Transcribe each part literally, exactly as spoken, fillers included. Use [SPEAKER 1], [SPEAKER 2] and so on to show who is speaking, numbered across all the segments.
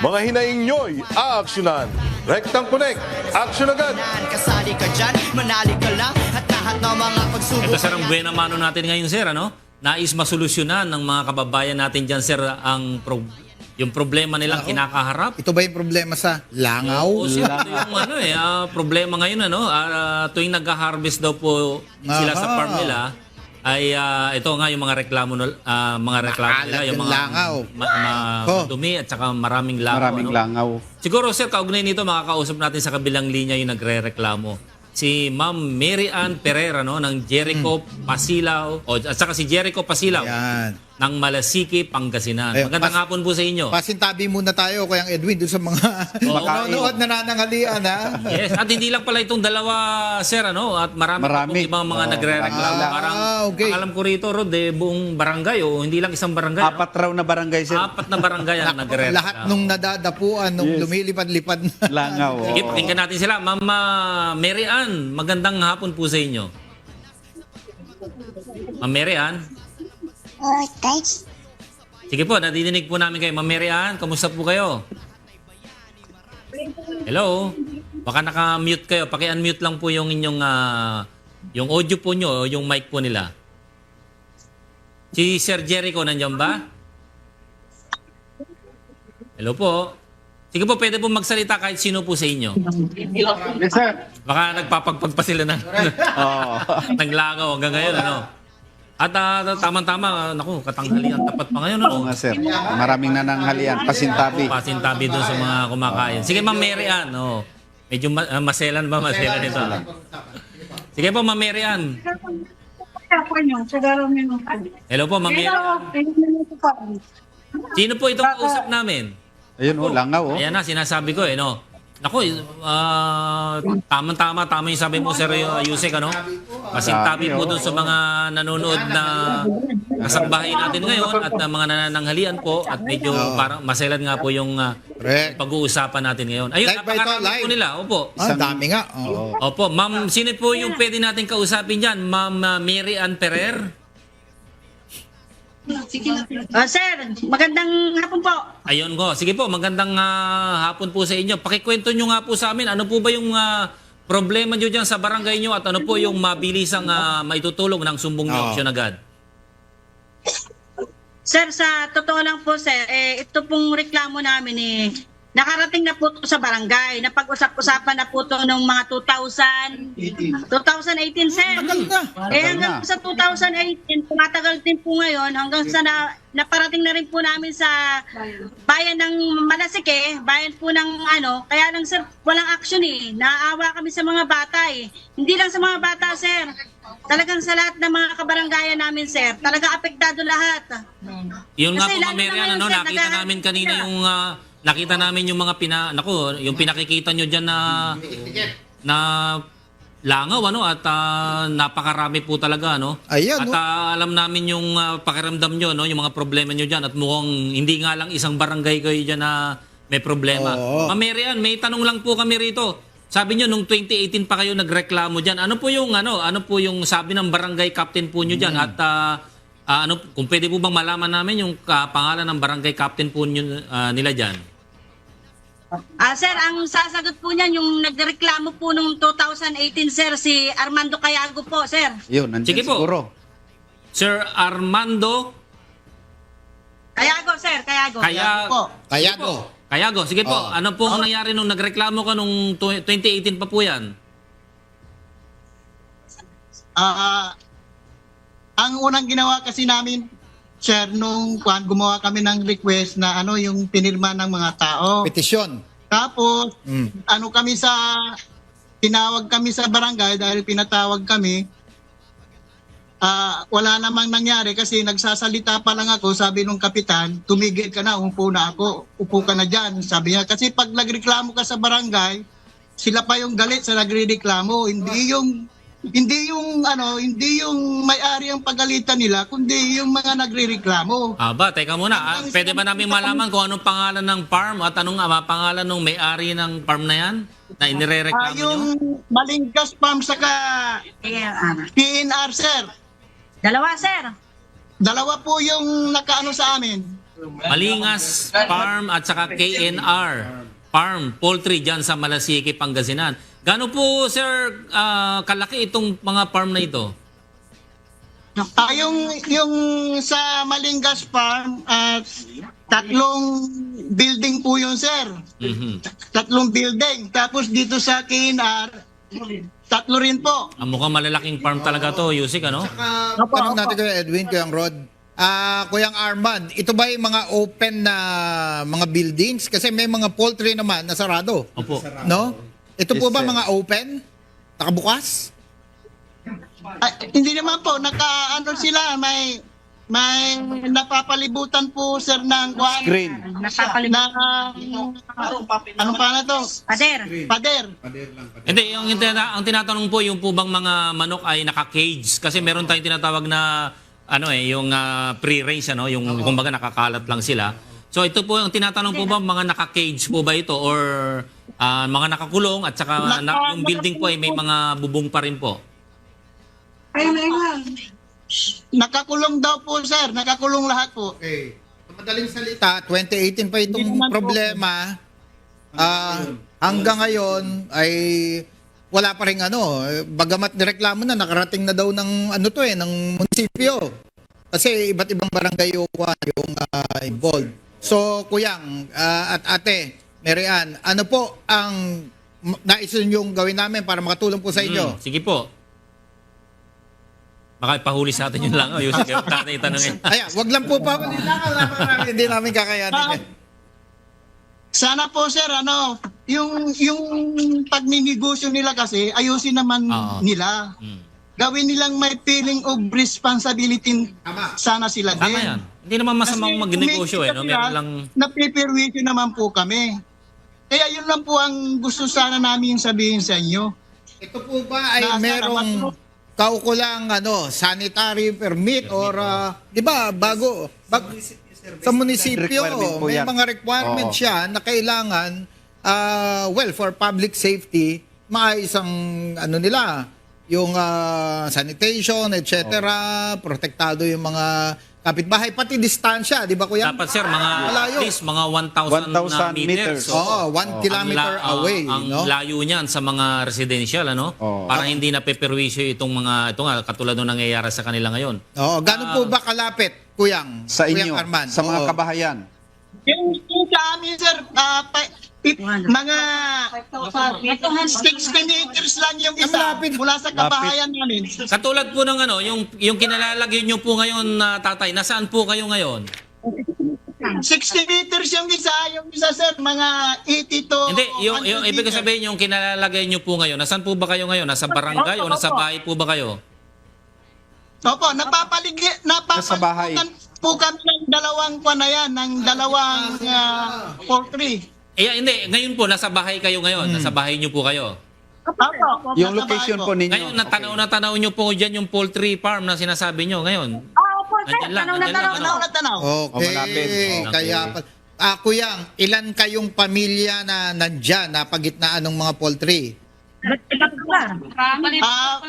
[SPEAKER 1] Mga hinaing nyo'y aaksyonan. Rectang Connect, aksyon agad!
[SPEAKER 2] Kasali ka dyan, manali ka lang at lahat ng mga pagsubok.
[SPEAKER 3] Ito sir ang buena mano natin ngayon sir, ano? Nais masolusyonan ng mga kababayan natin dyan sir ang pro yung problema nilang
[SPEAKER 4] Ako?
[SPEAKER 3] kinakaharap.
[SPEAKER 4] Ito ba yung problema sa langaw?
[SPEAKER 3] Oo, sir, ito yung ano eh, ah, problema ngayon ano, ah, tuwing nag-harvest daw po sila sa
[SPEAKER 4] Aha.
[SPEAKER 3] farm nila, ay ah, ito nga yung mga reklamo nul- ah, mga reklamo
[SPEAKER 4] Maalat
[SPEAKER 3] nila, yung
[SPEAKER 4] yung
[SPEAKER 3] mga
[SPEAKER 4] langaw.
[SPEAKER 3] ma- ma-
[SPEAKER 4] Ko.
[SPEAKER 3] madumi at saka maraming langaw.
[SPEAKER 5] Maraming
[SPEAKER 3] ano?
[SPEAKER 5] langaw.
[SPEAKER 3] Siguro sir, kaugnay nito makakausap natin sa kabilang linya yung nagre-reklamo. Si Ma'am Mary Ann Pereira no ng Jericho Pasilaw o at saka si Jericho Pasilaw
[SPEAKER 4] Yan.
[SPEAKER 3] ng Malasiki, Pangasinan.
[SPEAKER 4] Ayun,
[SPEAKER 3] Magandang
[SPEAKER 4] pas-
[SPEAKER 3] hapon po sa inyo.
[SPEAKER 4] Pasintabi muna tayo kay ang Edwin doon sa mga manonood na nanangalian ha.
[SPEAKER 3] Yes, at hindi lang pala itong dalawa, sir, ano? At marami, pa
[SPEAKER 5] Marami.
[SPEAKER 3] pong ibang mga
[SPEAKER 5] Oo,
[SPEAKER 3] nagre-reklamo.
[SPEAKER 4] marami.
[SPEAKER 3] Parang,
[SPEAKER 4] Ah, okay.
[SPEAKER 3] ang alam ko rito, Rod, eh, buong barangay, o hindi lang isang barangay. no?
[SPEAKER 5] Apat raw na barangay sir.
[SPEAKER 3] Apat na barangay ang nagre-reklamo.
[SPEAKER 4] Lahat nung nadadapuan, nung
[SPEAKER 5] Yes.
[SPEAKER 4] lumilipad-lipad na.
[SPEAKER 5] Langaw.
[SPEAKER 3] Sige,
[SPEAKER 5] oo.
[SPEAKER 3] pakinggan natin sila. Mama Mary Ann, magandang hapon po sa inyo. Ma'am Mary Ann.
[SPEAKER 6] Oh, guys.
[SPEAKER 3] Sige po, nadidinig po namin kayo. Ma'am Mary Ann, kamusta po kayo? Hello? Baka naka-mute kayo. Paki-unmute lang po yung inyong ah, yung audio po nyo, o yung mic po nila. Si Sir Jericho, nandiyan ba? Hello po. Sige po, pwede po magsalita kahit sino po sa inyo.
[SPEAKER 5] Yes sir.
[SPEAKER 3] Baka nagpapagpag pa sila ng,
[SPEAKER 5] Oo.
[SPEAKER 3] ng langaw hanggang ngayon, ano? At ah, tamang-tama, naku, katanghalian tapat pa ngayon, ano?
[SPEAKER 5] Oo nga sir. Maraming nananghalian. Pasintabi.
[SPEAKER 3] Pasintabi doon sa mga kumakain. Sige, Ma'am Mary Ann. Oh. Medyo ma- ah, maselan ba? Maselan ito. Sige po, Ma'am Mary Ann. Hello po, Ma'am Mary Ann. Sino po itong kausap namin?
[SPEAKER 5] Ayun oh, langaw oh.
[SPEAKER 3] Ayan na, sinasabi ko eh, no? Naku, ah, tama-tama, tama yung sabi mo, Sir Yusek, ano? Pasintabi po doon sa mga nanonood na kasangbahay natin ngayon at na mga nanananghalian po at medyo parang maselan nga po yung ah,
[SPEAKER 4] Correct.
[SPEAKER 3] pag-uusapan natin ngayon. Ayun,
[SPEAKER 4] Live ba ito?
[SPEAKER 3] napakarami
[SPEAKER 4] Live?
[SPEAKER 3] po nila. Opo.
[SPEAKER 4] Ah, dami nga. Oo.
[SPEAKER 3] Opo, Ma'am, sino po yung pwede natin kausapin dyan? Ma'am ah, Mary Ann Pereira?
[SPEAKER 6] Oh, sir, magandang hapon po.
[SPEAKER 3] Ayun ko. Sige po, magandang ah, hapon po sa inyo. Pakikwento nyo nga po sa amin, ano po ba yung ah, problema nyo dyan sa barangay nyo at ano po yung mabilisang uh, maitutulong ng sumbong nyo
[SPEAKER 4] Oo.
[SPEAKER 3] aksyon agad?
[SPEAKER 6] Sir, sa totoo lang po, sir, eh, ito pong reklamo namin eh, nakarating na po to sa barangay. Napag-usap-usapan na po to noong mga two thousand, twenty eighteen, sir.
[SPEAKER 4] Tagal na.
[SPEAKER 6] Eh hanggang sa two thousand eighteen, tumatagal din po ngayon hanggang sa na, naparating na rin po namin sa bayan ng Malasike, bayan po ng ano, kaya lang sir, walang action eh. Naawa kami sa mga bata eh. Hindi lang sa mga bata, sir. Talagang sa lahat ng mga kabaranggayan namin, sir. Talaga apektado lahat.
[SPEAKER 3] Yun nga
[SPEAKER 6] Kasi
[SPEAKER 3] po, Ma'am
[SPEAKER 6] lalo
[SPEAKER 3] Mary
[SPEAKER 6] na
[SPEAKER 3] Ann,
[SPEAKER 6] ngayon,
[SPEAKER 3] ano,
[SPEAKER 6] sir,
[SPEAKER 3] nakita
[SPEAKER 6] naghahanap
[SPEAKER 3] namin kanina
[SPEAKER 6] sila.
[SPEAKER 3] yung ah, nakita namin yung mga pina naku, yung pinakikita nyo diyan na na langaw ano at ah, napakarami po talaga no.
[SPEAKER 4] Ayan,
[SPEAKER 3] At
[SPEAKER 4] no?
[SPEAKER 3] ah, alam namin yung ah, pakiramdam nyo no, yung mga problema nyo diyan at mukhang hindi nga lang isang barangay kayo diyan na may problema.
[SPEAKER 4] Oo.
[SPEAKER 3] Ma'am Mary Ann, may tanong lang po kami rito. Sabi nyo nung twenty eighteen pa kayo nagreklamo diyan. Ano po yung ano, ano po yung sabi ng barangay captain po nyo diyan at ah, ah, ano kung pwede po bang malaman namin yung ah, pangalan ng barangay captain po nyo, ah, nila diyan?
[SPEAKER 6] Ah, sir, ang sasagot po niyan yung nagreklamo po nung two thousand eighteen, sir, si Armando Cayago po, sir.
[SPEAKER 5] Yun, nandiyan
[SPEAKER 3] Sige po.
[SPEAKER 5] siguro.
[SPEAKER 3] Sir Armando
[SPEAKER 6] Cayago, sir, Cayago.
[SPEAKER 3] Kaya
[SPEAKER 6] po.
[SPEAKER 4] Kayago.
[SPEAKER 3] Kayago, sige po.
[SPEAKER 4] Oo.
[SPEAKER 3] Ano po ang nangyari nung nagreklamo ka nung tw- twenty eighteen pa po yan?
[SPEAKER 7] Ah, ang unang ginawa kasi namin, sir, nung kwan, gumawa kami ng request na ano yung pinirma ng mga tao.
[SPEAKER 4] Petisyon.
[SPEAKER 7] Tapos,
[SPEAKER 4] Mm.
[SPEAKER 7] ano kami sa, tinawag kami sa barangay dahil pinatawag kami. Ah, wala namang nangyari kasi nagsasalita pa lang ako, sabi nung kapitan, tumigil ka na, umupo na ako, upo ka na dyan. Sabi niya, kasi pag nagreklamo ka sa barangay, sila pa yung galit sa nagrereklamo, hindi yung hindi yung ano, hindi yung may-ari ang pagalitan nila, kundi yung mga nagrereklamo.
[SPEAKER 3] Aba, teka muna. Ah, pwede ba namin malaman kung anong pangalan ng farm at anong ah, pangalan ng may-ari ng farm na yan? Na
[SPEAKER 7] Ah,
[SPEAKER 3] inirereklamo
[SPEAKER 7] yung
[SPEAKER 3] nyo?
[SPEAKER 7] Malingkas Farm saka
[SPEAKER 6] Eh, ah,
[SPEAKER 7] P N R, sir.
[SPEAKER 6] dalawa, sir.
[SPEAKER 7] Dalawa po yung nakaano sa amin.
[SPEAKER 3] Malingas Farm at saka K N R Farm Poultry dyan sa Malasiki, Pangasinan. Gaano po, sir, ah, kalaki itong mga farm na ito?
[SPEAKER 7] Ah, yung, yung sa Malingas Farm, at tatlong building po yun, sir.
[SPEAKER 3] Mhm.
[SPEAKER 7] Tatlong building. Tapos dito sa K N R, tatlo rin po.
[SPEAKER 3] Ang mukhang malalaking farm talaga to, Yusik, ano?
[SPEAKER 4] Uh, tanong natin kay Edwin, Kuyang Rod. Ah, Kuyang Arman, ito ba yung mga open na mga buildings? Kasi may mga poultry naman na sarado.
[SPEAKER 3] Opo.
[SPEAKER 4] No? Ito po
[SPEAKER 5] Yes,
[SPEAKER 4] ba
[SPEAKER 5] sir.
[SPEAKER 4] mga open? Nakabukas?
[SPEAKER 7] Ah, hindi naman po, naka, ano sila, may, may napapalibutan po, sir, ng kwan.
[SPEAKER 5] Screen.
[SPEAKER 7] Na, ano pa na to?
[SPEAKER 6] Pader.
[SPEAKER 7] Pader.
[SPEAKER 3] Hindi, yung, yung tina- ang tinatanong po, yung po bang mga manok ay naka-cage? Kasi meron tayong tinatawag na, ano eh, yung ah, pre-range, ano? Yung, kumbaga, nakakalat lang sila. So, ito po, ang tinatanong po ba, mga naka-cage po ba ito? Or ah, mga nakakulong at saka na, yung building po ay may mga bubong pa rin po?
[SPEAKER 7] Nakakulong daw po, sir. Nakakulong lahat po.
[SPEAKER 4] Okay. Sa madaling salita, twenty eighteen pa itong
[SPEAKER 7] Hindi naman po.
[SPEAKER 4] problema. Ah, hanggang ngayon ay wala pa rin ano, eh, bagamat nireklamo na nakarating na daw ng ano to eh ng munisipyo. Kasi iba't ibang barangay yung, ah, yung ah, involved. So, Kuyang ah, at Ate Mary Ann, ano po ang m- nais yung gawin namin para makatulong po sa inyo?
[SPEAKER 3] Hmm, sige po. Baka ipahuli sa atin yun lang. Oh, Yusik, yung tatay itanongin.
[SPEAKER 4] Ayan, wag lang po pa hindi namin kakayanin. eh.
[SPEAKER 7] Sana po, sir, ano, yung, yung pagninegosyo nila kasi, ayusin naman
[SPEAKER 3] Oo.
[SPEAKER 7] nila.
[SPEAKER 3] Hmm.
[SPEAKER 7] Gawin nilang may feeling of responsibility
[SPEAKER 4] Tama.
[SPEAKER 7] sana sila din.
[SPEAKER 3] Tama yan. Hindi naman masamang
[SPEAKER 7] Kasi
[SPEAKER 3] magnegosyo eh. No?
[SPEAKER 7] kumikita
[SPEAKER 3] Meron
[SPEAKER 7] sila,
[SPEAKER 3] lang...
[SPEAKER 7] napipirwisyo naman po kami. Kaya yun lang po ang gusto sana namin sabihin sa inyo.
[SPEAKER 4] Ito po ba ay
[SPEAKER 7] Nasa
[SPEAKER 4] merong
[SPEAKER 7] naman po.
[SPEAKER 4] kaukulang ano, sanitary permit or ah, 'di ba bago bag, sa munisipyo
[SPEAKER 5] Requirement po
[SPEAKER 4] may
[SPEAKER 5] yan.
[SPEAKER 4] mga requirements
[SPEAKER 5] Oo.
[SPEAKER 4] siya na kailangan ah, well for public safety maayos ang ano nila yung ah, sanitation et cetera protektado yung mga kapitbahay pati distansya 'di ba kuya?
[SPEAKER 3] Dapat sir, mga
[SPEAKER 4] Malayo.
[SPEAKER 3] at least mga one thousand
[SPEAKER 5] one thousand
[SPEAKER 3] meters.
[SPEAKER 5] meters.
[SPEAKER 4] Oo, one
[SPEAKER 3] ang
[SPEAKER 4] kilometer
[SPEAKER 3] la- ah,
[SPEAKER 4] away,
[SPEAKER 3] ang
[SPEAKER 4] no?
[SPEAKER 3] layo niyan sa mga residential, ano?
[SPEAKER 5] Oo.
[SPEAKER 3] Para hindi na peperwisyo itong mga, ito nga, katulad nung nangyayari sa kanila ngayon.
[SPEAKER 4] Oo, ganun po ba kalapit kuyang?
[SPEAKER 5] Sa
[SPEAKER 4] Kuyang
[SPEAKER 5] inyo,
[SPEAKER 4] Arman?
[SPEAKER 5] sa mga
[SPEAKER 4] Oo.
[SPEAKER 5] kabahayan.
[SPEAKER 7] Yung, yung sa amin, sir, ah, pa- i- mga sixty meters lang yung isa
[SPEAKER 4] Malapit.
[SPEAKER 7] mula sa kabahayan namin.
[SPEAKER 3] Katulad po ng ano, yung, yung kinalalagay nyo po ngayon na tatay, nasaan po kayo ngayon?
[SPEAKER 7] sixty meters yung isa, yung isa, sir, mga eighty to
[SPEAKER 3] Hindi, yung,
[SPEAKER 7] one hundred
[SPEAKER 3] yung ibig ko
[SPEAKER 7] meters.
[SPEAKER 3] sabihin, yung kinalalagay nyo po ngayon, nasaan po ba kayo ngayon? Nasa barangay o nasa bahay po ba kayo?
[SPEAKER 7] Opo, napapaligi,
[SPEAKER 5] Nasa bahay.
[SPEAKER 7] napapaligitan po kami ng dalawang kwa na yan, ng dalawang uh, poultry.
[SPEAKER 3] Eh, hindi, ngayon po, nasa bahay kayo ngayon. Nasa bahay nyo po kayo.
[SPEAKER 7] Opo,
[SPEAKER 5] Yung
[SPEAKER 7] nasa
[SPEAKER 5] location
[SPEAKER 7] bahay
[SPEAKER 5] po ninyo.
[SPEAKER 3] Ngayon, natanaw na tanaw nyo po dyan yung poultry farm na sinasabi nyo ngayon.
[SPEAKER 6] Oo po, sir.
[SPEAKER 3] Nandyan lang,
[SPEAKER 6] Tanaw na
[SPEAKER 3] nandyan
[SPEAKER 6] tanaw.
[SPEAKER 3] lang,
[SPEAKER 7] Tanaw na tanaw.
[SPEAKER 4] Okay.
[SPEAKER 5] O, malapit.
[SPEAKER 3] Okay.
[SPEAKER 4] Kaya pa. Ah, Kuyang, ilan kayong pamilya na nandyan na pagitnaan ng mga poultry?
[SPEAKER 7] Ah,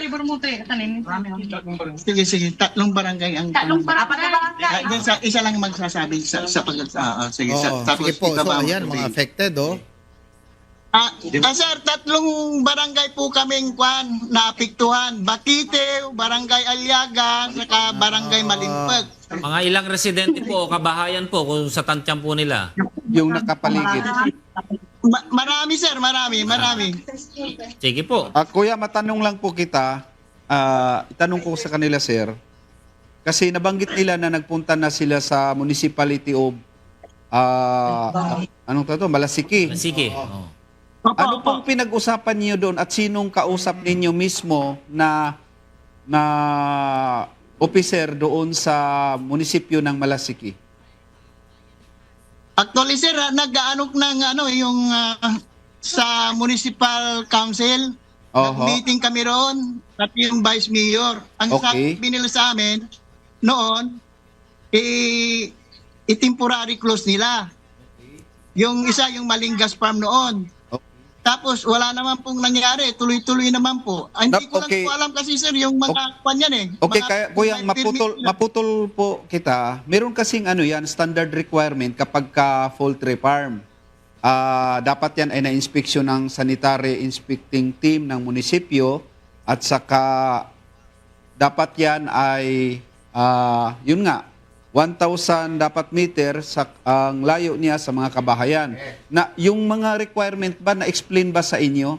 [SPEAKER 7] sige, sige, tatlong barangay ang
[SPEAKER 6] Tatlong para
[SPEAKER 7] Ah, yan sa, isa lang magsasabi sa, sa pag ah, ah, sige, sa,
[SPEAKER 4] Oo,
[SPEAKER 7] tapos
[SPEAKER 4] sige po. So,
[SPEAKER 7] ibaba mo
[SPEAKER 4] ayan,
[SPEAKER 7] sabihin.
[SPEAKER 4] mga affected, oh.
[SPEAKER 7] Ah, ah, sir, tatlong barangay po kaming kwan naapektuhan. Bakite, Barangay Alyaga, saka Barangay Malimpag.
[SPEAKER 3] Mga ilang residente po o kabahayan po kung sa tantyang po nila.
[SPEAKER 5] Yung nakapaligid.
[SPEAKER 7] Ma- marami, sir, marami, marami.
[SPEAKER 3] Sige po.
[SPEAKER 5] Ah, kuya, matanong lang po kita. Ah, itanong ko sa kanila, sir. Kasi nabanggit nila na nagpunta na sila sa municipality of ah, anong tawag to? Malasiki.
[SPEAKER 3] Sige. Oh.
[SPEAKER 7] Opo,
[SPEAKER 5] Ano
[SPEAKER 7] opo.
[SPEAKER 5] pong pinag-usapan niyo doon at sinong kausap ninyo mismo na na officer doon sa munisipyo ng Malasiki?
[SPEAKER 7] Actually, sir, ah, nag-aanok ng ano, yung ah, sa municipal council.
[SPEAKER 5] Oho.
[SPEAKER 7] Meeting kami roon at yung vice mayor. Ang
[SPEAKER 5] Okay.
[SPEAKER 7] sabi nila sa amin noon, i- i-temporary close nila. Yung isa, yung Malingas Farm noon. Tapos wala naman pong nangyari, tuloy-tuloy naman po. Ah, hindi
[SPEAKER 5] Nap-
[SPEAKER 7] ko lang
[SPEAKER 5] okay.
[SPEAKER 7] po alam kasi sir, yung mga kwan yan eh.
[SPEAKER 5] Okay,
[SPEAKER 7] Mga-
[SPEAKER 5] kaya kuya,
[SPEAKER 7] may
[SPEAKER 5] maputol,
[SPEAKER 7] permit na-
[SPEAKER 5] maputol po kita. Meron kasing ano yan, standard requirement kapag ka poultry farm. Ah, dapat yan ay na-inspeksyon ng sanitary inspecting team ng munisipyo at saka dapat yan ay ah, yun nga one thousand dapat meter sa ang layo niya sa mga kabahayan. Na yung mga requirement ba na-explain ba sa inyo?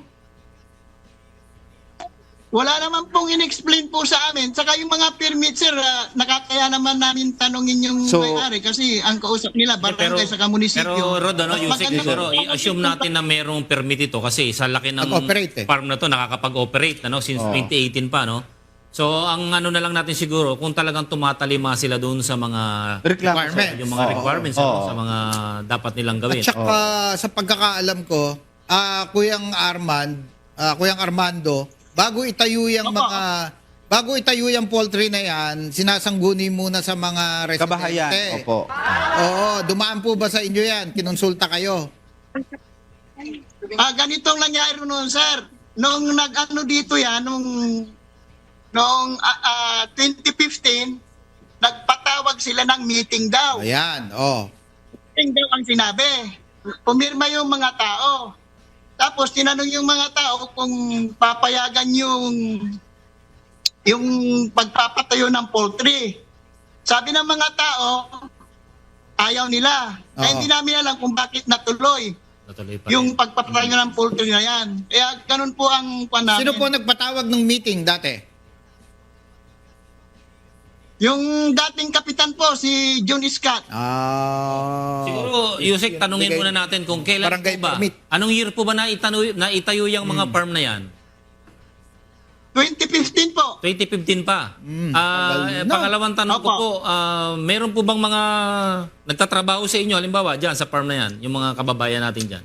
[SPEAKER 7] Wala naman pong in-explain po sa amin. Saka yung mga permit sir, ah, nakakaya naman namin tanongin yung
[SPEAKER 5] So-
[SPEAKER 7] may-ari kasi ang kausap nila barangay sa munisipyo.
[SPEAKER 3] Pero Rod, ano,
[SPEAKER 7] Mas
[SPEAKER 3] Yusek,
[SPEAKER 7] maganda
[SPEAKER 3] siguro,
[SPEAKER 7] po-
[SPEAKER 3] i-assume natin na merong permit ito kasi sa laki ng
[SPEAKER 4] Nag-operate eh.
[SPEAKER 3] farm na to, nakakapag-operate ano, since
[SPEAKER 5] Oo.
[SPEAKER 3] twenty eighteen pa. No? So, ang ano na lang natin siguro, kung talagang tumatalima sila doon sa mga
[SPEAKER 5] Reklamo.
[SPEAKER 4] Requirement.
[SPEAKER 3] yung mga
[SPEAKER 5] Oo.
[SPEAKER 3] requirements
[SPEAKER 5] Oo.
[SPEAKER 3] ano, sa mga dapat nilang gawin.
[SPEAKER 4] At saka sa pagkakaalam ko, ah Kuyang Armand, ah, Kuyang Armando, bago itayo yung
[SPEAKER 7] Opo.
[SPEAKER 4] mga bago itayo yung poultry na yan, sinasangguni muna sa mga residente.
[SPEAKER 5] Kabahayan. Opo.
[SPEAKER 4] Oo, dumaan po ba sa inyo yan? Kinonsulta kayo?
[SPEAKER 7] Ah, ganitong nangyari noon, sir. Nung nag-ano dito yan, nung noong ah, ah, twenty fifteen, nagpatawag sila ng meeting daw.
[SPEAKER 4] Ayan, oh.
[SPEAKER 7] Meeting daw ang sinabi. Pumirma yung mga tao. Tapos tinanong yung mga tao kung papayagan yung yung pagpapatayo ng poultry. Sabi ng mga tao, ayaw nila. Kaya
[SPEAKER 4] Oo.
[SPEAKER 7] hindi namin alam kung bakit natuloy
[SPEAKER 3] Natuloy pa rin.
[SPEAKER 7] yung pagpapatayo ng poultry na yan. Kaya ganun po ang kwan namin.
[SPEAKER 4] Sino po nagpatawag ng meeting dati?
[SPEAKER 7] Yung dating kapitan po, si John Scott.
[SPEAKER 4] Ah.
[SPEAKER 3] Siguro, Yusek, tanungin
[SPEAKER 4] Bigay-
[SPEAKER 3] muna natin kung kailan
[SPEAKER 4] Barangay
[SPEAKER 3] po ba,
[SPEAKER 4] permit.
[SPEAKER 3] anong year po ba na, itanu- na itayo yung mga farm na yan?
[SPEAKER 7] twenty fifteen po.
[SPEAKER 3] twenty fifteen pa.
[SPEAKER 4] Mm,
[SPEAKER 3] Ah,
[SPEAKER 4] tagal
[SPEAKER 3] eh,
[SPEAKER 4] na.
[SPEAKER 3] pangalawang tanong ko
[SPEAKER 7] Opo.
[SPEAKER 3] po, ah, meron po bang mga nagtatrabaho sa inyo, halimbawa, dyan sa farm na yan, yung mga kababayan natin dyan?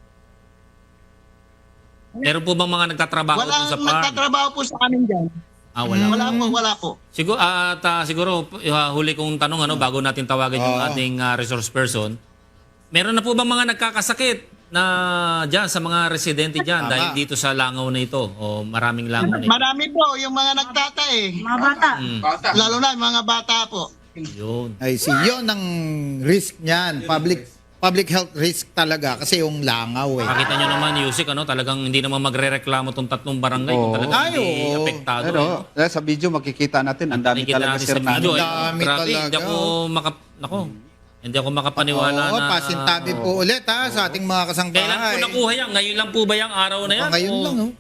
[SPEAKER 3] Meron po bang mga nagtatrabaho dun
[SPEAKER 7] Walang
[SPEAKER 3] sa farm?
[SPEAKER 7] nagtatrabaho po sa amin dyan.
[SPEAKER 3] Ah, wala.
[SPEAKER 7] Wala po, wala po.
[SPEAKER 3] Siguro, at ah, siguro, uh, huli kong tanong, ano, bago natin tawagan yung
[SPEAKER 4] Oo.
[SPEAKER 3] ating ah, resource person, meron na po bang mga nagkakasakit na dyan sa mga residente dyan
[SPEAKER 4] Tama.
[SPEAKER 3] dahil dito sa langaw na ito o maraming langaw na ito?
[SPEAKER 7] Marami po yung mga nagtatae.
[SPEAKER 6] Mga bata.
[SPEAKER 3] Mm,
[SPEAKER 7] Lalo na yung mga bata po.
[SPEAKER 3] yun.
[SPEAKER 4] Ay, si yun ang risk niyan. Public public health risk talaga kasi yung langaw eh.
[SPEAKER 3] Makita nyo naman, Yusik, ano, talagang hindi naman magre-reklamo tong tatlong barangay kung
[SPEAKER 5] Oo.
[SPEAKER 3] talagang
[SPEAKER 4] Ay,
[SPEAKER 3] hindi
[SPEAKER 4] oo.
[SPEAKER 3] apektado.
[SPEAKER 5] Pero
[SPEAKER 3] eh.
[SPEAKER 5] eh, sa video makikita natin, ang dami
[SPEAKER 3] Nakikita
[SPEAKER 5] talaga
[SPEAKER 3] natin
[SPEAKER 5] sir
[SPEAKER 3] sa
[SPEAKER 5] na.
[SPEAKER 3] video.
[SPEAKER 4] Ang
[SPEAKER 3] eh.
[SPEAKER 4] dami
[SPEAKER 3] Grabe, hindi
[SPEAKER 4] talaga.
[SPEAKER 3] ako makap... Nako, hindi ako makapaniwala
[SPEAKER 4] Oo,
[SPEAKER 3] na...
[SPEAKER 4] pasintabi po ulit ha sa ating mga
[SPEAKER 3] Kailan po
[SPEAKER 4] kasangbahay.
[SPEAKER 3] nakuha yan? Ngayon lang po ba yung araw na yan?
[SPEAKER 4] Oh, ngayon
[SPEAKER 3] O-
[SPEAKER 4] lang, oh.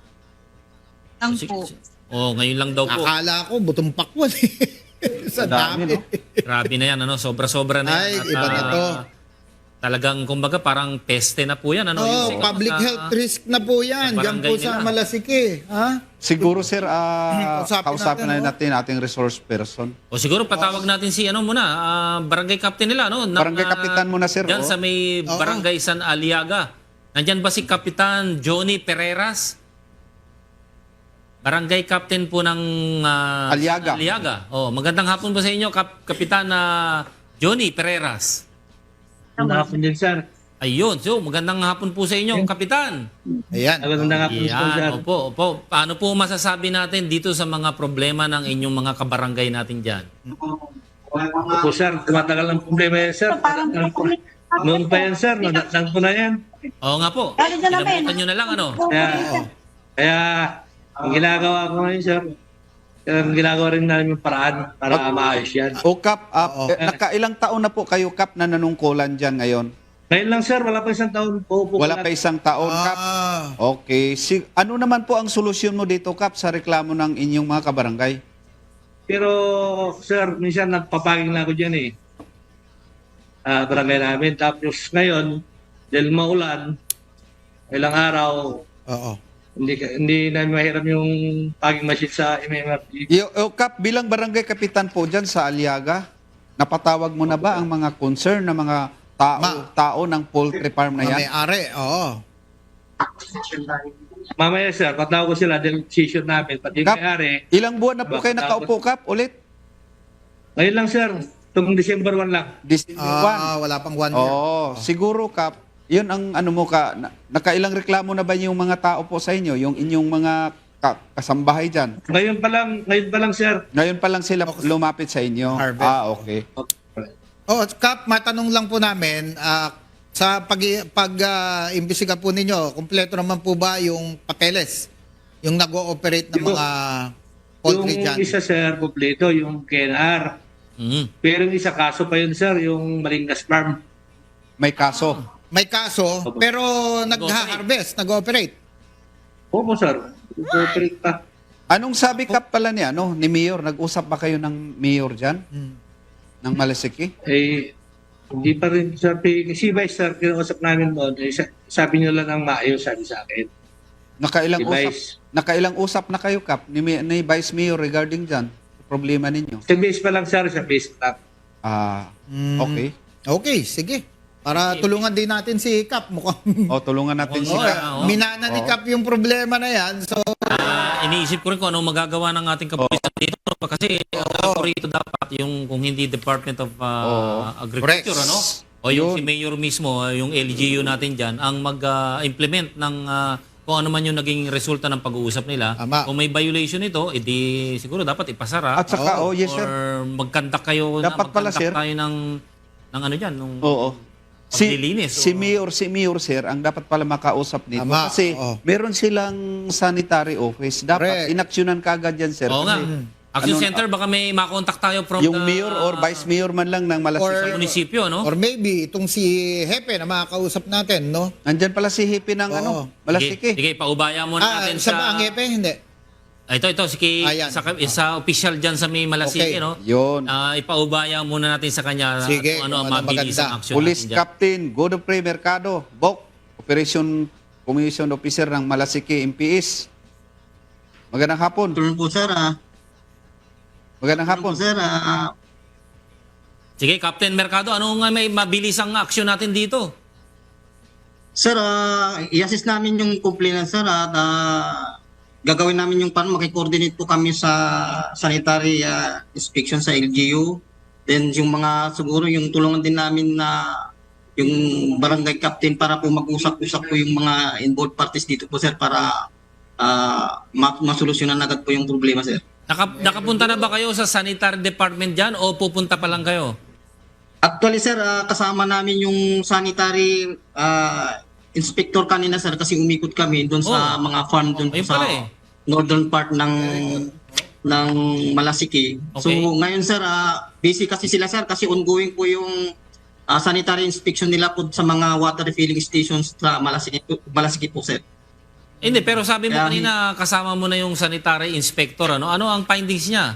[SPEAKER 6] Lang
[SPEAKER 3] Sige,
[SPEAKER 6] po.
[SPEAKER 3] sige. Oh, ngayon lang daw po.
[SPEAKER 4] Akala ko, butong pakwan eh. Sa
[SPEAKER 5] Dami,
[SPEAKER 4] dami.
[SPEAKER 5] no?
[SPEAKER 3] Grabe na yan, ano? Sobra-sobra na yan.
[SPEAKER 4] Ay,
[SPEAKER 3] At,
[SPEAKER 4] iba na
[SPEAKER 3] ah,
[SPEAKER 4] to.
[SPEAKER 3] Talagang, kumbaga, parang peste na po yan, ano?
[SPEAKER 4] Oh,
[SPEAKER 3] Yusik, ano,
[SPEAKER 4] public
[SPEAKER 3] sa-
[SPEAKER 4] health risk na po yan.
[SPEAKER 3] sa
[SPEAKER 4] Diyan po
[SPEAKER 3] barangay
[SPEAKER 4] sa
[SPEAKER 3] nila.
[SPEAKER 4] Malasike. Ha?
[SPEAKER 5] Siguro sir, ah,
[SPEAKER 4] Kausapin
[SPEAKER 5] kausapin
[SPEAKER 4] natin,
[SPEAKER 5] na natin ating resource person.
[SPEAKER 3] O siguro patawag natin si ano muna, ah, barangay captain nila, no? Na-
[SPEAKER 5] Barangay
[SPEAKER 3] na-
[SPEAKER 5] kapitan muna, sir,
[SPEAKER 3] Diyan
[SPEAKER 5] oh.
[SPEAKER 3] sa may
[SPEAKER 4] Oo.
[SPEAKER 3] barangay San Aliaga. Nandyan ba si Kapitan Johnny Pereras? Barangay captain po ng ah,
[SPEAKER 5] Aliaga.
[SPEAKER 3] San Aliaga. Oh, magandang hapon po sa inyo, Kap- Kapitan na Johnny Pereras.
[SPEAKER 8] Magandang hapon din, sir.
[SPEAKER 3] Ayun, so magandang hapon po sa inyo, Kapitan.
[SPEAKER 4] Ayan.
[SPEAKER 8] Magandang hapon po, sir.
[SPEAKER 3] Yan, opo, opo. Paano po masasabi natin dito sa mga problema ng inyong mga kabarangay natin dyan?
[SPEAKER 8] Opo, sir. Tumatagal ng problema yan, sir. Noon pa yan, sir. Nadatang ko na yan.
[SPEAKER 3] Oo nga po.
[SPEAKER 6] Ano dyan namin?
[SPEAKER 3] Inabutan nyo na lang, ano?
[SPEAKER 8] Kaya, kaya ang ginagawa ko ngayon, sir, ang ginagawa rin namin yung paraan para maayos yan.
[SPEAKER 5] O Kap, ah,
[SPEAKER 4] Oo.
[SPEAKER 5] eh, nakailang taon na po kayo Kap na nanungkulan dyan ngayon?
[SPEAKER 8] Ngayon lang, sir. Wala pa isang taon po. po
[SPEAKER 5] Wala pa isang taon Kap.
[SPEAKER 4] Ah,
[SPEAKER 5] Okay. Si, ano naman po ang solusyon mo dito Kap sa reklamo ng inyong mga kabarangay?
[SPEAKER 8] Pero, sir, minsan nagpapaging na ako dyan eh. Ah, barangay namin. Tapos ngayon, dahil maulan, ilang araw,
[SPEAKER 4] oo.
[SPEAKER 8] hindi ka- hindi namin mahiram yung paging machine sa M M R T.
[SPEAKER 5] Yo, o Kap, bilang barangay kapitan po dyan sa Aliaga, napatawag mo na ba ang mga concern na mga tao,
[SPEAKER 4] Ma-
[SPEAKER 5] tao ng poultry farm na
[SPEAKER 4] Mga
[SPEAKER 5] yan?
[SPEAKER 4] may-ari, oo.
[SPEAKER 8] Mamaya, sir, patawag ko sila dahil decision namin. Pati yung
[SPEAKER 5] Kap,
[SPEAKER 8] may-ari,
[SPEAKER 5] ilang buwan na po kayo nakaupo Kap ulit?
[SPEAKER 8] ngayon lang, sir. Itong December one lang.
[SPEAKER 5] This
[SPEAKER 4] Ah, wala pang one year.
[SPEAKER 5] Oh, siguro Kap, Yun ang ano mo ka, na, nakailang reklamo na ba yung mga tao po sa inyo, yung inyong mga ka, kasambahay dyan?
[SPEAKER 8] Ngayon pa lang, ngayon pa lang, sir.
[SPEAKER 5] Ngayon pa lang sila lumapit sa inyo.
[SPEAKER 4] Harvest.
[SPEAKER 5] Ah, okay.
[SPEAKER 4] Oh, Kap, matanong lang po namin, ah, sa pag, pag ah, imbestiga po ninyo, kumpleto naman po ba yung papeles? Yung nag-ooperate ng
[SPEAKER 8] Yung-
[SPEAKER 4] mga poultry
[SPEAKER 8] Yung
[SPEAKER 4] dyan?
[SPEAKER 8] isa, sir, kompleto, yung K N R.
[SPEAKER 3] Mm.
[SPEAKER 8] Pero yung isa kaso pa yun, sir, yung Malingas Farm.
[SPEAKER 5] May kaso.
[SPEAKER 4] May kaso, pero nag-harvest, nag-ooperate.
[SPEAKER 8] Opo, sir. Cooperate pa.
[SPEAKER 5] Anong sabi ka pala niya, no, ni Mayor? Nag-usap ba kayo ng Mayor dyan? Ng Malasiki?
[SPEAKER 8] Eh, hindi pa rin, sabi, si Vice, sir, kinausap namin doon, eh, sa- sabi nyo lang ng maayos, sabi sa akin.
[SPEAKER 5] Nakailang
[SPEAKER 8] Si
[SPEAKER 5] usap,
[SPEAKER 8] Vice.
[SPEAKER 5] nakailang usap na kayo, Kap, ni, Ma- ni Vice Mayor regarding dyan? Problema ninyo?
[SPEAKER 8] Sa base pa lang, sir, sa base pa lang.
[SPEAKER 5] Ah,
[SPEAKER 4] Mm.
[SPEAKER 5] okay.
[SPEAKER 4] Okay, sige. Para tulungan din natin si Kap. Mukhang
[SPEAKER 5] O, tulungan natin si
[SPEAKER 3] Oo,
[SPEAKER 5] Kap.
[SPEAKER 3] oo.
[SPEAKER 4] minana ni
[SPEAKER 5] Oo.
[SPEAKER 4] Kap yung problema na yan. So,
[SPEAKER 3] Ah, iniisip ko rin kung anong magagawa ng ating kapulisan dito. Kasi ang alam ko rito dapat yung kung hindi Department of ah, Agriculture,
[SPEAKER 4] Correct.
[SPEAKER 3] ano? O yung
[SPEAKER 5] Yun.
[SPEAKER 3] si Mayor mismo, ah, yung L G U natin dyan, ang mag-implement ng ah, kung ano man yung naging resulta ng pag-uusap nila.
[SPEAKER 4] Tama.
[SPEAKER 3] Kung may violation ito, edi siguro dapat ipasara.
[SPEAKER 5] At saka, oh, yes, sir.
[SPEAKER 3] Or magkandak kayo,
[SPEAKER 5] Dapat
[SPEAKER 3] na,
[SPEAKER 5] pala,
[SPEAKER 3] magkandak
[SPEAKER 5] sir.
[SPEAKER 3] tayo ng, ng ano dyan, nung
[SPEAKER 5] Oo. Si,
[SPEAKER 3] paglilinis.
[SPEAKER 5] si
[SPEAKER 3] o-
[SPEAKER 5] Mayor, si Mayor, sir, ang dapat pala makausap nito.
[SPEAKER 4] Tama,
[SPEAKER 5] Kasi
[SPEAKER 4] oo.
[SPEAKER 5] meron silang sanitary office. Dapat
[SPEAKER 4] Correct.
[SPEAKER 5] inaksyonan kagad yan, sir.
[SPEAKER 3] Oo nga.
[SPEAKER 5] Kasi
[SPEAKER 3] Action
[SPEAKER 5] ano,
[SPEAKER 3] Center, baka may makontak tayo from
[SPEAKER 5] yung
[SPEAKER 3] the,
[SPEAKER 5] Mayor or Vice Mayor man lang ng
[SPEAKER 4] Or-
[SPEAKER 5] Malasiki.
[SPEAKER 3] sa munisipyo, no?
[SPEAKER 4] or maybe itong si Hepe na makakausap natin, no?
[SPEAKER 5] Nandyan pala si Hippie ng
[SPEAKER 4] Oo.
[SPEAKER 5] ano,
[SPEAKER 3] Sige,
[SPEAKER 5] Malasiki.
[SPEAKER 3] sige, paubaya muna
[SPEAKER 4] Ah,
[SPEAKER 3] natin
[SPEAKER 4] sa
[SPEAKER 3] sa...
[SPEAKER 4] ang Hepe, hindi.
[SPEAKER 3] Ah, ito, ito, sige,
[SPEAKER 4] Ayan.
[SPEAKER 3] sa, sa official dyan sa may Malasiki,
[SPEAKER 4] Okay.
[SPEAKER 3] no?
[SPEAKER 5] Yun.
[SPEAKER 3] Ah, ipaubaya muna natin sa kanya
[SPEAKER 4] Sige,
[SPEAKER 3] kung ano ang
[SPEAKER 4] kung ano
[SPEAKER 3] mabilis
[SPEAKER 4] maganda.
[SPEAKER 3] ang action
[SPEAKER 5] Police
[SPEAKER 3] natin dyan.
[SPEAKER 5] Captain Godfrey Mercado, B O C, Operation Commission Officer ng Malasiki M P S. Magandang hapon.
[SPEAKER 7] Turn po sir ah.
[SPEAKER 5] Magandang hapon.
[SPEAKER 7] Turn po sir ah.
[SPEAKER 3] Sige, Captain Mercado, ano nga may mabilis ang action natin dito?
[SPEAKER 9] Sir, ah, i-assist namin yung complainant sir at ah, gagawin namin yung pan makikoordinate po kami sa sanitary ah, inspection sa L G U. Then yung mga siguro yung tulungan din namin na yung barangay captain para po mag-usap-usap po yung mga involved parties dito po sir para ah, ma- masolusyonan agad po yung problema sir.
[SPEAKER 3] Naka, nakapunta na ba kayo sa sanitary department dyan o pupunta pa lang kayo?
[SPEAKER 9] Actually sir, ah, kasama namin yung sanitary ah, inspector kanina sir kasi umikot kami doon sa
[SPEAKER 3] Oh.
[SPEAKER 9] mga farm doon po
[SPEAKER 3] Ayun
[SPEAKER 9] sa
[SPEAKER 3] pala eh.
[SPEAKER 9] northern part ng ng Malasiki. So
[SPEAKER 3] Okay.
[SPEAKER 9] ngayon sir, ah, busy kasi sila sir kasi ongoing po yung ah, sanitary inspection nila po sa mga water refilling stations sa Malasiki, Malasiki po sir.
[SPEAKER 3] Hindi, pero sabi mo
[SPEAKER 9] Kaya-
[SPEAKER 3] kanina kasama mo na yung sanitary inspector. Ano ano ang findings niya?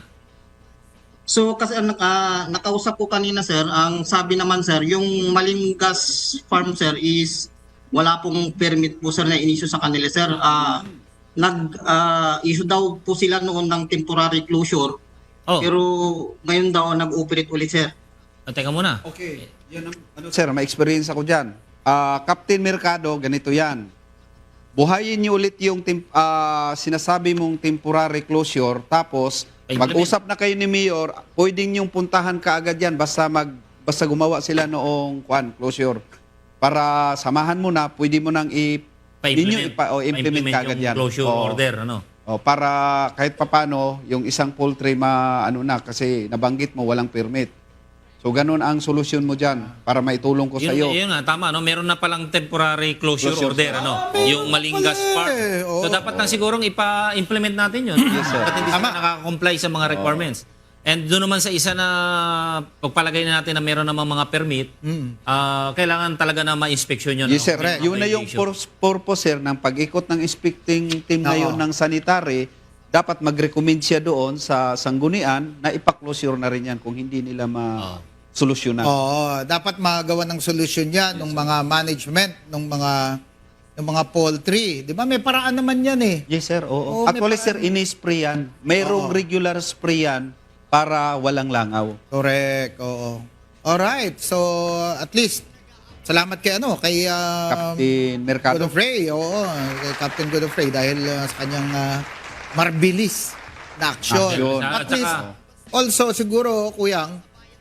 [SPEAKER 9] So kasi ang naka, nakausap ko kanina sir, ang sabi naman sir, yung Malingas farm sir is wala pong permit po sir na inisyu sa kanila sir. Ah, nag ah, issue daw po sila noon ng temporary closure
[SPEAKER 3] Oh,
[SPEAKER 9] pero ngayon daw nag-operate ulit sir.
[SPEAKER 3] ah, teka muna.
[SPEAKER 5] Okay. Yan ang, ano, sir, may experience ako dyan. Ah, Captain Mercado, ganito yan. Buhayin niyo ulit yung tem- ah, sinasabi mong temporary closure, tapos
[SPEAKER 3] Ay,
[SPEAKER 5] mag-usap na kayo ni Mayor, pwedeng yung puntahan kaagad yan basta mag basta gumawa sila noong kwan, closure. Para samahan mo na, pwede mo nang i
[SPEAKER 3] Pa-implement,
[SPEAKER 5] ninyo ipa, o implement
[SPEAKER 3] pa-implement
[SPEAKER 5] kaagad
[SPEAKER 3] yung
[SPEAKER 5] yan.
[SPEAKER 3] closure
[SPEAKER 5] Oo.
[SPEAKER 3] order, ano?
[SPEAKER 5] O, para kahit papano, yung isang poultry ma ano na kasi nabanggit mo walang permit. So ganun ang solusyon mo diyan para maitulong ko sa iyo.
[SPEAKER 3] Yun, yun nga, tama, no? Meron na palang temporary closure,
[SPEAKER 5] Closure.
[SPEAKER 3] order, ano? Yung Malingas
[SPEAKER 4] pala
[SPEAKER 3] Park.
[SPEAKER 4] eh. Oo.
[SPEAKER 3] So, dapat nang sigurong ipa-implement natin yun. Yes,
[SPEAKER 5] sir.
[SPEAKER 3] Dapat hindi sila nakaka-comply sa mga requirements. And doon naman sa isa na pagpalagay na natin na meron namang mga permit, ah, kailangan talaga na ma-inspection yun.
[SPEAKER 5] Yes,
[SPEAKER 3] no?
[SPEAKER 5] sir.
[SPEAKER 3] May mga
[SPEAKER 5] Yun na yung
[SPEAKER 3] violation.
[SPEAKER 5] pur- purpose, sir, ng pag-ikot ng inspecting team na
[SPEAKER 4] Oo.
[SPEAKER 5] yun ng sanitary, dapat mag-recommend siya doon sa sanggunian na ipa-closure na rin yan kung hindi nila ma-solusyonan.
[SPEAKER 4] Oo, dapat magawa ng solusyon yan ng mga management, ng mga ng mga poultry. Di ba? May paraan naman yan eh.
[SPEAKER 5] Yes, sir. Oo.
[SPEAKER 4] Oo, may
[SPEAKER 5] Actually, sir,
[SPEAKER 4] paraan.
[SPEAKER 5] ini-spray yan. Mayroong
[SPEAKER 4] Oo.
[SPEAKER 5] regular spray yan para walang langaw.
[SPEAKER 4] Correct, oo. Alright, so at least, salamat kay ano, kay uh,
[SPEAKER 5] Captain Mercado.
[SPEAKER 4] Godofrey, oo, kay Captain Godofrey dahil uh, sa kanyang uh, marbilis na aksyon.
[SPEAKER 5] Aksyon.
[SPEAKER 4] At
[SPEAKER 3] At
[SPEAKER 4] least,
[SPEAKER 3] saka-
[SPEAKER 4] also siguro, Kuyang,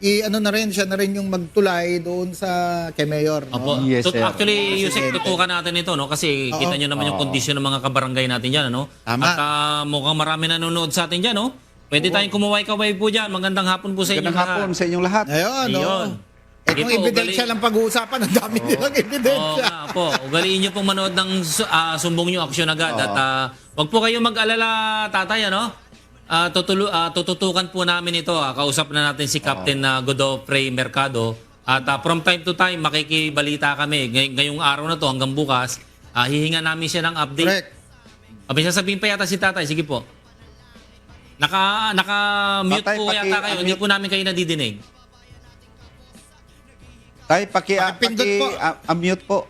[SPEAKER 4] i ano na rin siya na rin yung magtulay doon sa kay Mayor, no?
[SPEAKER 3] Opo.
[SPEAKER 5] Yes,
[SPEAKER 3] Tut-
[SPEAKER 5] sir.
[SPEAKER 3] Actually, Yusek,
[SPEAKER 4] Presidente.
[SPEAKER 3] tutukan natin ito, no? Kasi
[SPEAKER 4] Oo.
[SPEAKER 3] kita nyo naman yung
[SPEAKER 5] Oo.
[SPEAKER 3] kondisyon ng mga kabarangay natin dyan, ano?
[SPEAKER 4] Tama.
[SPEAKER 3] At ah, mukhang marami nanonood sa atin dyan, no? Pwede tayong kumuway-kaway po dyan. Magandang hapon po sa inyo.
[SPEAKER 5] Magandang hapon sa inyong lahat.
[SPEAKER 4] Ayun, no.
[SPEAKER 3] Ayun.
[SPEAKER 4] Eh
[SPEAKER 3] Sige
[SPEAKER 4] kung
[SPEAKER 3] po,
[SPEAKER 4] ebidensya
[SPEAKER 3] ugali-
[SPEAKER 4] lang pag-uusapan, ang dami nilang
[SPEAKER 3] Oo
[SPEAKER 4] ebidensya.
[SPEAKER 3] nga po. Ugaliin nyo pong manood ng su- ah, sumbong nyo aksyon agad.
[SPEAKER 5] Oo.
[SPEAKER 3] At ah, wag po kayo mag-alala, tatay, ano? Ah, tutulu- ah, tututukan po namin ito. Ah. Kausap na natin si Captain uh, Godofrey Mercado. At ah, from time to time, makikibalita kami. Ngay- ngayong araw na to hanggang bukas, ah, hihinga namin siya ng update.
[SPEAKER 4] Correct.
[SPEAKER 3] Abay, sasabihin pa yata si tatay. Sige po. Naka, naka-mute
[SPEAKER 5] Tatay,
[SPEAKER 3] po
[SPEAKER 5] paki-
[SPEAKER 3] yata kayo. Hindi
[SPEAKER 5] unmute.
[SPEAKER 3] po namin kayo nadidinig.
[SPEAKER 5] Tay, paki,
[SPEAKER 4] Pakipindot
[SPEAKER 5] paki,
[SPEAKER 4] po.
[SPEAKER 5] ah, unmute po.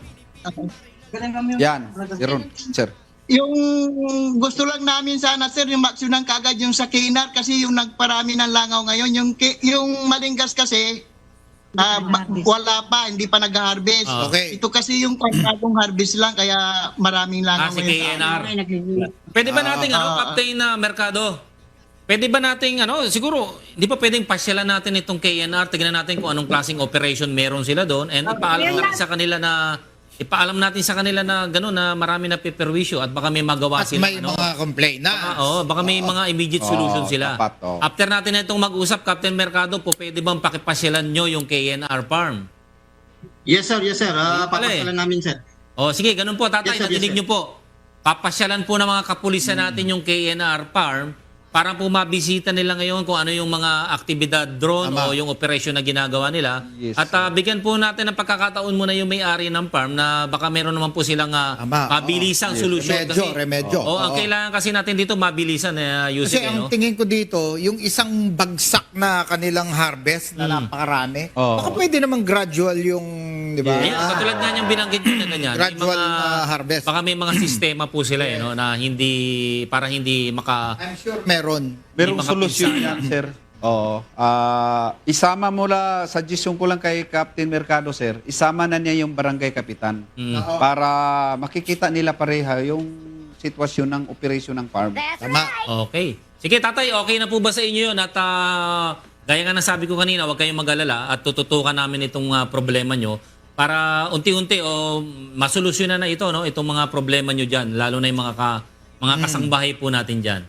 [SPEAKER 5] Yan, Jeron, sir.
[SPEAKER 7] Yung gusto lang namin sana sir yung maksyonan kagad yung sa Kinar kasi yung nagparami ng langaw ngayon yung ki- yung Malingas kasi ah, ma- wala pa, hindi pa nag-harvest.
[SPEAKER 3] Ah.
[SPEAKER 4] Okay.
[SPEAKER 7] Ito kasi yung bagong harvest lang kaya maraming
[SPEAKER 3] Ah,
[SPEAKER 7] langaw
[SPEAKER 3] si
[SPEAKER 7] ngayon.
[SPEAKER 3] K N R. Pwede ba nating ano,
[SPEAKER 7] ah,
[SPEAKER 3] Captain na Mercado? Pwede ba nating ano, siguro hindi pa pwedeng pasyalan natin itong K N R, tignan natin kung anong klaseng operation meron sila doon and ipaalam natin sa kanila na ipaalam natin sa kanila na gano'n na marami na piperwisyo at baka may magawa
[SPEAKER 4] At
[SPEAKER 3] sila
[SPEAKER 4] may
[SPEAKER 3] ano.
[SPEAKER 4] mga complaint na.
[SPEAKER 3] Ah, oo, baka may mga immediate
[SPEAKER 5] Oo,
[SPEAKER 3] solution sila.
[SPEAKER 5] dapat, oo.
[SPEAKER 3] After natin na itong mag-usap, Captain Mercado, po pwede bang pakipasyalan nyo yung K N R farm?
[SPEAKER 9] Yes sir, yes sir. Uh,
[SPEAKER 3] Ayun pala eh.
[SPEAKER 9] papasyalan namin sir.
[SPEAKER 3] O sige, ganun po tatay,
[SPEAKER 9] Yes, sir,
[SPEAKER 3] nadinig
[SPEAKER 9] yes, sir.
[SPEAKER 3] nyo po. Papasyalan po ng mga kapulisan natin yung K N R farm para po mabisita nila ngayon kung ano yung mga aktibidad drone
[SPEAKER 4] Tama.
[SPEAKER 3] o yung operasyon na ginagawa nila.
[SPEAKER 5] Yes,
[SPEAKER 3] At ah, bigyan po natin ng pagkakataon muna yung may-ari ng farm na baka meron naman po silang ah,
[SPEAKER 4] Tama,
[SPEAKER 3] mabilisang
[SPEAKER 4] oo.
[SPEAKER 3] solusyon.
[SPEAKER 4] Remedyo, remedyo.
[SPEAKER 3] Oo, ang
[SPEAKER 4] Oo.
[SPEAKER 3] kailangan kasi natin dito mabilisan, eh, Yusek,
[SPEAKER 4] Kasi
[SPEAKER 3] eh, no?
[SPEAKER 4] ang tingin ko dito, yung isang bagsak na kanilang harvest na napakarami,
[SPEAKER 5] Oo.
[SPEAKER 4] baka pwede namang gradual yung, di ba?
[SPEAKER 3] Ayun, katulad nga niyang binanggit nyo na ganyan. may
[SPEAKER 4] Gradual na harvest.
[SPEAKER 3] Baka may mga sistema po sila eh, no, na hindi, para hindi maka...
[SPEAKER 4] I'm sure meron.
[SPEAKER 5] Merong
[SPEAKER 3] Hindi
[SPEAKER 5] solusyon
[SPEAKER 3] makapinsala.
[SPEAKER 5] yan, sir. Oo. Ah, isama mo la, suggestion ko lang kay Captain Mercado, sir. Isama na niya yung barangay kapitan
[SPEAKER 3] Mm.
[SPEAKER 5] para makikita nila pareha yung sitwasyon ng operasyon ng farm.
[SPEAKER 4] Tama.
[SPEAKER 3] Okay. Sige, tatay, okay na po ba sa inyo yun? At ah, gaya nga ng sabi ko kanina, huwag kayong mag-alala at tututukan namin itong ah, problema nyo para unti-unti o masolusyonan na ito, no? Itong mga problema nyo dyan, lalo na yung mga, ka, mga kasangbahay po natin dyan.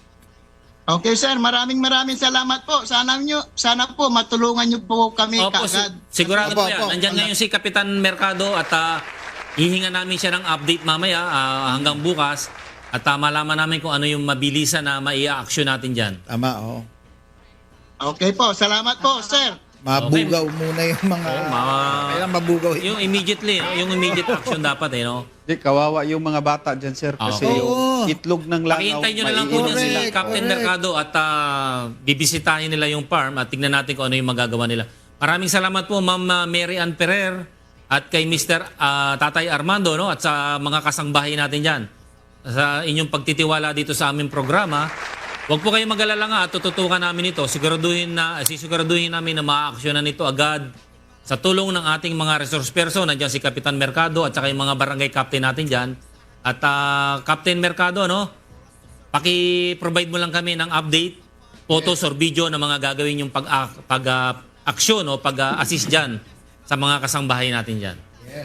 [SPEAKER 7] Okay sir, maraming maraming salamat po. Sana nyo, sana po matulungan nyo po kami
[SPEAKER 3] Opo, si-
[SPEAKER 7] kagad.
[SPEAKER 3] sigurado
[SPEAKER 4] Opo,
[SPEAKER 3] po yan.
[SPEAKER 4] opo.
[SPEAKER 3] Nandyan ngayon si Kapitan Mercado at ah, hihinga namin siya ng update mamaya ah, hanggang bukas at uh, malaman namin kung ano yung mabilisan na maia-action natin dyan.
[SPEAKER 4] Tama, oo.
[SPEAKER 7] Okay po, salamat po sir.
[SPEAKER 4] Mabugaw muna yung mga...
[SPEAKER 3] Oo, ma-
[SPEAKER 4] Kailan mabugaw
[SPEAKER 3] Yung immediately, no? Yung immediate action dapat eh, no?
[SPEAKER 5] Di, kawawa yung mga bata dyan, sir. Kasi
[SPEAKER 3] Okay.
[SPEAKER 5] yung
[SPEAKER 4] Oo.
[SPEAKER 5] itlog ng langaw,
[SPEAKER 3] Pakihintay nyo na lang po
[SPEAKER 5] maiiwan
[SPEAKER 3] dyan si
[SPEAKER 4] Correct,
[SPEAKER 3] Captain
[SPEAKER 4] correct.
[SPEAKER 3] Mercado at ah, bibisitahin nila yung farm at tignan natin kung ano yung magagawa nila. Maraming salamat po Ma'am ah, Mary Ann Ferrer at kay Mister ah, Tatay Armando, no? At sa mga kasangbahay natin dyan. Sa inyong pagtitiwala dito sa aming programa. Huwag po kayong mag-alala nga at tututukan namin ito. Siguraduhin na, sisiguraduhin namin na ma-actionan ito agad sa tulong ng ating mga resource person. Nandiyan si Kapitan Mercado at saka yung mga barangay captain natin dyan. At ah, Captain Mercado, no? Paki-provide mo lang kami ng update, photos or video ng mga gagawin yung pag, pag, ah, aksyon o pag-assist dyan sa mga kasangbahay natin dyan.